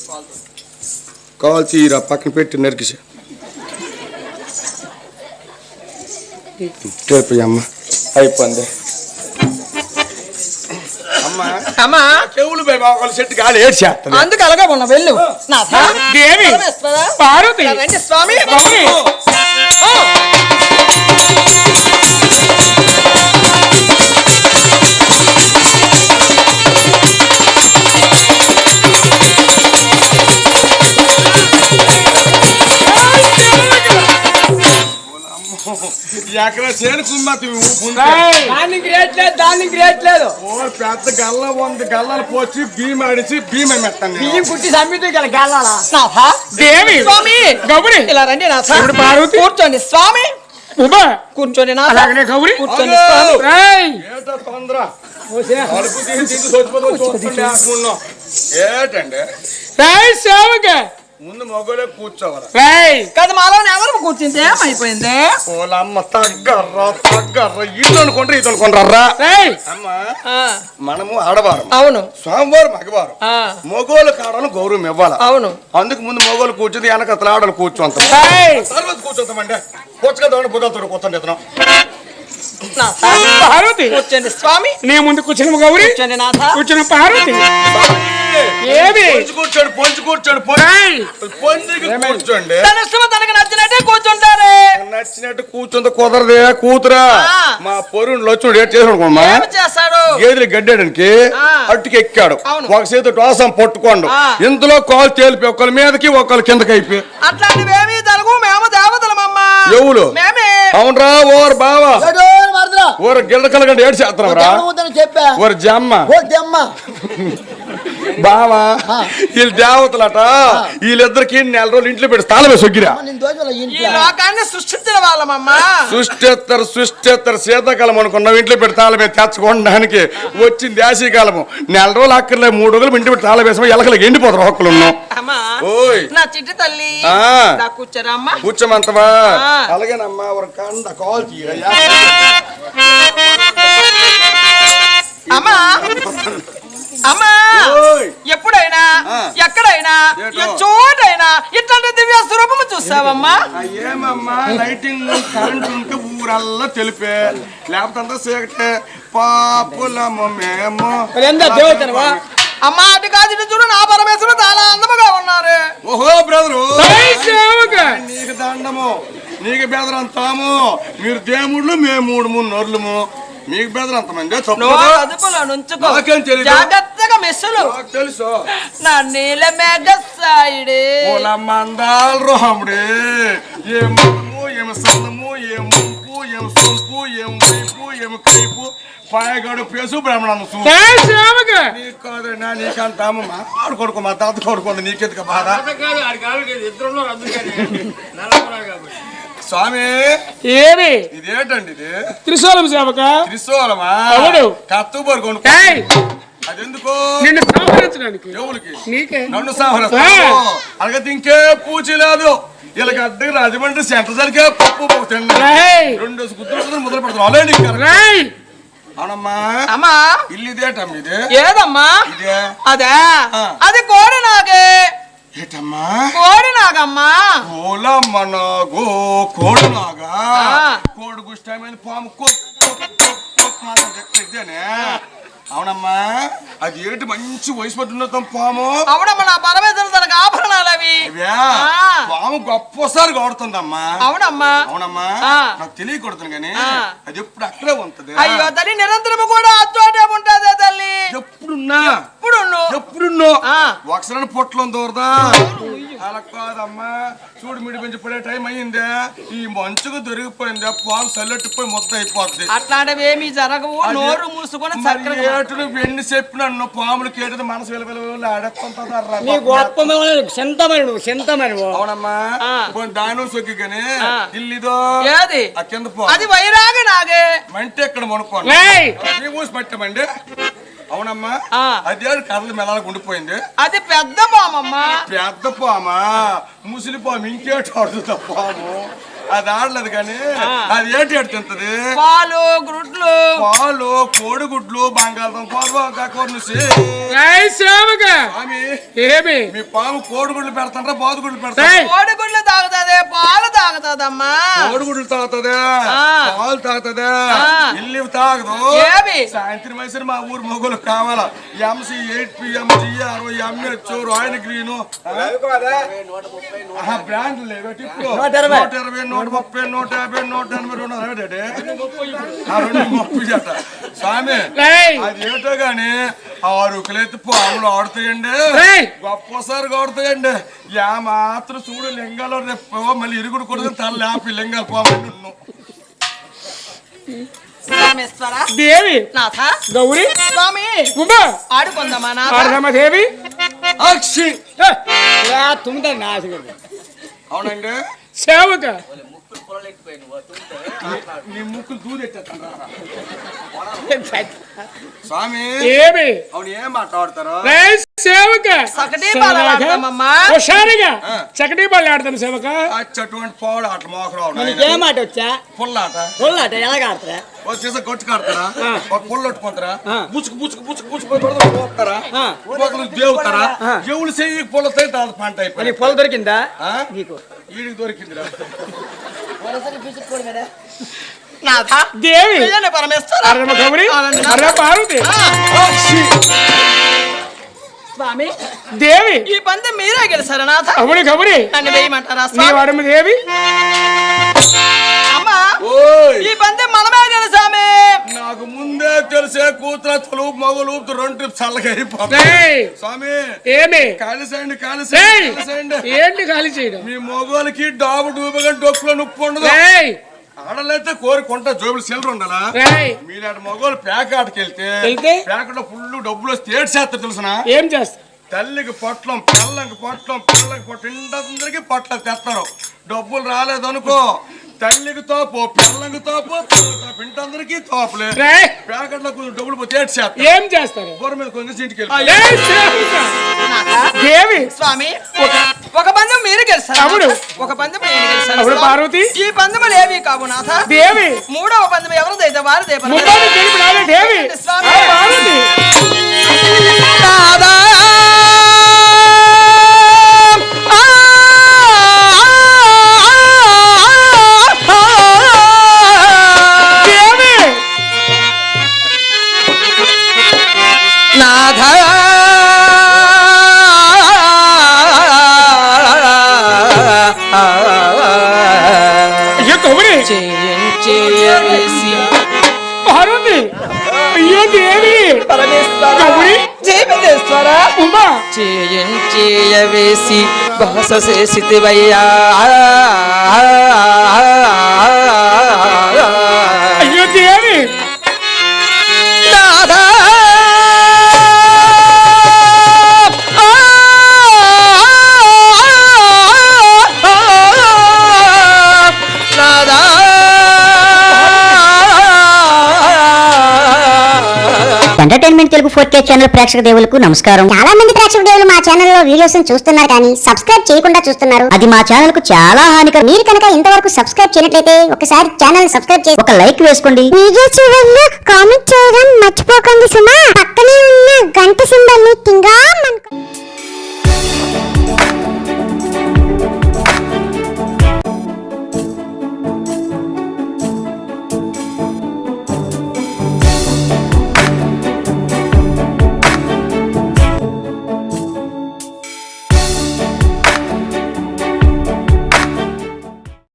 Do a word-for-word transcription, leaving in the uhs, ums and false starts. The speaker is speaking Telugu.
కాల్ తీరా పక్కన పెట్టి నరికిసా అమ్మ అయిపోయింది అమ్మా అమ్మా చెవులు చెట్టు గాలి ఏడు చేస్తాను అందుకు అలాగే ఉన్నా వెళ్ళు దేవి పార్వతి స్వామి ఎక్కడ చేను కుమ్మతి దాన్ని గ్రేట్ లేదు దాన్ని గ్రేట్ లేదు ఓ పెద్ద గల్ల వంద గల్లలు పోసి బియ్యం ఆడిచి బియ్యం మెత్తాను బియ్యం కుట్టి సమ్మితో గల గల్లాలా దేవి స్వామి గౌరి ఇలా రండి నా పార్వతి కూర్చోండి స్వామి ఉమా కూర్చోండి నా అలాగనే గౌరి కూర్చోండి స్వామి ఏటో తొందర అడుపు తీసి చచ్చిపోతాం ఏటండి రాయ్ సేవక ముందు మొగలే కూర్చోవాలి రాయ్ కదా మాలో ఎవరు కూర్చుంటే ఏమైపోయింది ఓలమ్మ తగ్గర్రా తగ్గర్రా ఇల్లు అనుకుంటారు ఇది అనుకుంటారా రాయ్ అమ్మ మనము ఆడవారం అవును స్వామివారు మగవారు మొగోలు కాడను గౌరవం ఇవ్వాలి అవును అందుకు ముందు మొగోలు కూర్చుంది వెనకతల ఆడలు కూర్చుంటాం తర్వాత కూర్చోతామండి కూర్చుకుందామని బుద్ధలతో కూర్చొని ఇతను పార్వతి కూర్చోండి స్వామి నీ ముందు కూర్చున్న గౌరి కూర్చోండి నాథ కూర్చున్న పార్వతి ఏది కూర్చోండి పొంచి కూర్చోండి పొంచి కూర్చోండి తన ఇష్టం తనకు నచ్చినట్టే కూర్చుంటారే నచ్చినట్టు కూర్చుంది కుదరదే కూతురా మా పొరుణ్ణి వచ్చి ఏడు చేసుకున్నామా చేస్తాడు గేదెలు గడ్డానికి అట్టుకి ఎక్కాడు ఒక చేతి టోసం పట్టుకోండు ఇందులో కాలు తేలిపి ఒకళ్ళ మీదకి ఒకళ్ళ కిందకి అయిపోయి అట్లాంటివేమీ జరుగు మేము దేవతలమమ్మా ఎవరు మేమే అవునరా ఓరు బావా ఓరు గిల్లకల గంట ఏడు చేస్తున్నావురా ఓరు జమ్మ బావా వీళ్ళు దేవతలట వీళ్ళిద్దరికి నెల రోజులు ఇంట్లో పెట్టి తాళమే సొగ్గిరా సృష్టించిన వాళ్ళమమ్మా సృష్టిస్తారు సృష్టిస్తారు శీతాకాలం అనుకున్నాం ఇంట్లో పెట్టి తాళమే తెచ్చుకోవడానికి వచ్చింది యాసీకాలము నెల రోజులు అక్కర్లే మూడు రోజులు ఇంటి పెట్టి తాళం వేసాము ఎలకలకి ఎండిపోతారు ఒక్కలు ఉన్నాం ఓయ్ నా చిట్టి తల్లి కూర్చోరమ్మా కూర్చోమంతవా అలాగేనమ్మా ఒక కంద కాల్ తీయయ్యా అమ్మా అమ్మా ఎప్పుడైనా ఎక్కడైనా చోటైనా ఇట్లాంటి దివ్య స్వరూపము చూసావమ్మా ఏమమ్మా లైటింగ్ కరెంట్ ఉంటే ఊరల్లా తెలిపే లేకపోతే అంతా చీకటే పాపులము మేము దేవతనవా అమ్మా అటు కాదు ఇటు చూడు నా పరమేశ్వరుడు చాలా అందముగా ఉన్నారు ఓహో బ్రదరు నీకు దండము నీకు బెదరంతాము మీరు దేవుళ్ళు మేము మూడు మూడు నోర్లము మీకు బెదరంత మంది జాగ్రత్తగా మెస్సులు తెలుసు నా నీల మెగసాయిడే మందాలు రోహముడే ఏ మనము ఏమి సన్నము ఏ ముంపు ఏమి సొంపు ఏమి వైపు ఏమి కైపు పాయగాడు పేసు బ్రాహ్మణము నీకు కాదన్నా నీకంతాము మా ఆడు కొడుకు మా తాత కొడుకుంది నీకెందుకు బాధ స్వామి ఏమి ఇదేంటండి ఇది త్రిశూలం సేవక త్రిశూలమా కత్తుబరు కొను అదెందుకు నిన్ను సంహరించడానికి ఎవరికి నీకే నన్ను సంహరిస్తాను అలాగే ఇంకే పూచి లేదు వీళ్ళకి అడ్డు రాజమండ్రి సెంటర్ సరికే పప్పు పోతండి రెండు గుర్తు మొదలు పెడతాం అవునమ్మా అమ్మా ఇల్లు ఇదేటమ్మా ఇది ఏదమ్మా ఇదే అదే అది కోడి నాగే ఏటమ్మా కోడి నాగమ్మా కోలమ్మ నాగో కోడి నాగా కోడి గుష్టమైన పాము ఇదేనే అవునమ్మా అది ఏంటి మంచి వయసు పట్టున్న పాము అవునమ్మా నా పరమేశ్వరుడు తనకు ఆభరణాలు అవి పాము గొప్పసారి కొడుతుందమ్మా అవునమ్మా అవునమ్మా నాకు తెలియకూడదు కానీ అది ఎప్పుడు అక్కడే ఉంటది అయ్యో తల్లి నిరంతరము కూడా అచ్చోటే ఉంటదే తల్లి ఎప్పుడున్నా ఎప్పుడు ఎప్పుడున్నో ఒకసారి పొట్టలో దూరదా అలా కాదమ్మా చూడు మిడి పెంచి పడే టైం అయ్యిందే ఈ మంచుకు దొరికిపోయిందే పాము సల్లెట్టిపోయి మొత్తం అయిపోతుంది అట్లాంటివి ఏమీ జరగవు నోరు మూసుకొని ఏటును వెండి చెప్పి నన్ను పాములు కేటది మనసు విలువలు ఆడేస్తుంటా అవునమ్మా దాని సొక్కి కానీ ఇల్లుదో ఆ కింద పో అది వైరాగ నాగే మంటే ఇక్కడ మనుకోండి మూసి పట్టామండి అవునమ్మా అదే కథలు మెలాలకు ఉండిపోయింది అది పెద్ద పామమ్మా పెద్ద పామా ముసిలి పాము ఇంకేట ఆడుతుందా పాము అది ఆడలేదు కానీ అది ఏంటి ఎడు తింటది పాలు గుడ్లు పాలు కోడిగుడ్లు బంగాళదుంప కూరనుసి ఏయ్ సేవక స్వామి ఏమి మీ పాము కోడిగుడ్లు పెడతాండ్రా బాదుగుడ్లు పెడతారా ఏయ్ కోడిగుడ్లు తాగుతాదే పాలు తాగుతాదమ్మా కోడిగుడ్లు తాగుతుందా పాలు తాగుతుందా ఇల్లు తాగదు ఏమి సాయంత్రం వేసరి మా ఊరు మొగలు కావాలా MC eight PM GR MH royal green బ్రాండ్లు లేవు ఇప్పుడు నూట ఇరవై నూట ముప్పై నూట యాభై నూట ఎనభై రెండు రెండు ముప్పై జట స్వామి ఏయ్ అది ఏంటో గాని ఆరు కులైతే పాములు ఆడుతాయండి ఏయ్ గొప్పసారి ఆడుతాయండి యా మాత్రం చూడు లింగాలు రేపు మళ్ళీ ఇరుగుడు కొడుకు తల లేపి లింగాలు పోవాలి రామేశ్వర దేవి నాథ గౌరీ స్వామి ఉమా ఆడుకుందామా నాథ ఆడదామా దేవి అక్షి తుమ్మిదా నాశనం అవునండి సేవక నీ ముక్కులు దూదెట్టేస్తాను స్వామి ఏమి అవును ఏం మాట్లాడతారు ఏయ్ సేవక సకటి బాల ఆడదామమ్మా హుషారుగా చకటి బాల్ ఆడతాను సేవక అచ్చటువంటి పోడు ఆట మోకరావు ఏం ఆట వచ్చా పుల్లాట పొల్లాట ఎలాగ ఆడతారా వచ్చేసి కొట్టు కాడతారా ఒక పుల్ల కొట్టుకుంటారా బుచ్చుకు బుచ్చుకు బుచ్చుకు బుచ్చుకు పోతారా ఒకరు దేవుతారా దేవుడు చెయ్యి పుల్లతో పంట నీ అయిపోయి పొల దొరికిందా నీకు వీడికి దొరికిందిరా నాథ దేవి విజయనే పరమేశ్వర అరమ గౌరీ అరమ పార్వతి స్వామి దేవి ఈ పందెం మీరే గెలిచారా నాథ అవును గౌరీ నన్ను వేయమంటారా నీ స్వామి వాడమ్మ దేవి అమ్మా ఓయ్ ఈ పందెం మనమే గెలిచామే నాకు ముందే తెలిసే కూతురు తలుపు మగలు రెండు ట్రిప్ చల్లగా అయిపోతాయి ఏయ్ స్వామి ఏమి కాలిసేయండి ఏయ్ కాలిసేయండి కాలిసేయండి ఏంటి ఖాళీ చేయడం మీ మగవాళ్ళకి డాబు డూబగా డొక్కులో నొప్పి ఉండదు ఏయ్ ఆడలైతే కోరుకుంటా జోబులు సిల్లర్ ఉండాలా ఏయ్ మీరు ఆడ మగవాళ్ళు ప్యాకాటకి వెళ్తే వెళ్తే? ప్యాకెట్లో ఫుల్ డబ్బులు వస్తే ఏడు చేస్తారు తెలుసునా ఏం చేస్తా తల్లికి పొట్లం పిల్లకి పొట్లం పిల్లకి పొట్లం ఇంటందరికి పొట్లం తెస్తారు డబ్బులు రాలేదనుకో తల్లికి తోపు పిల్లకి తోపు పిల్లకి ఇంటందరికి తోపులే ఏయ్ ప్యాకెట్లో కొంచెం డబ్బులు పోతే ఏడు చేస్తారు ఏం చేస్తారు బోర మీద కొంచెం ఇంటికి ఏయ్ సేవక నాథ దేవి స్వామి ఒక పందెం మీరు గెలిచారు అవును. ఒక పందెం నేను గెలిచాను అవును స్వామి. పార్వతి ఈ పందెములు ఏవి కావు నాథ దేవి మూడవ పందెం ఎవరిదైతే వారిదే పరమ. ముగ్గురు గెలుపు నాదే దేవి స్వామి. ఆ పార్వతి నాథా. ఆ, దేవి నాథా. అయ్యో గౌరీ చేయించేయవేసి పార్వతి అయ్యో దేవి గౌరీ జయమేశ్వర ఉమా చేయించేయవేసి భాష చేసివయ్యా అయ్యో దేవి నాథా. నాథా. Entertainment Telugu four K channel ప్రేక్షక దేవులకు నమస్కారం. చాలా మంది ప్రేక్షక దేవులు మా ఛానల్ లో వీడియోస్ చూస్తున్నారు కానీ సబ్స్క్రైబ్ చేయకుండా చూస్తున్నారు. అది మా ఛానల్ కు చాలా హానికరం. మీరు కనుక ఇంతవరకు సబ్స్క్రైబ్ చేయనట్లయితే ఒకసారి ఛానల్ సబ్స్క్రైబ్ చేసి ఒక లైక్ వేసుకోండి. వీడియో చివరిలో కామెంట్ చేయడం మర్చిపోకండి సుమా. పక్కనే ఉన్న గంట సింబల్ ని టింగా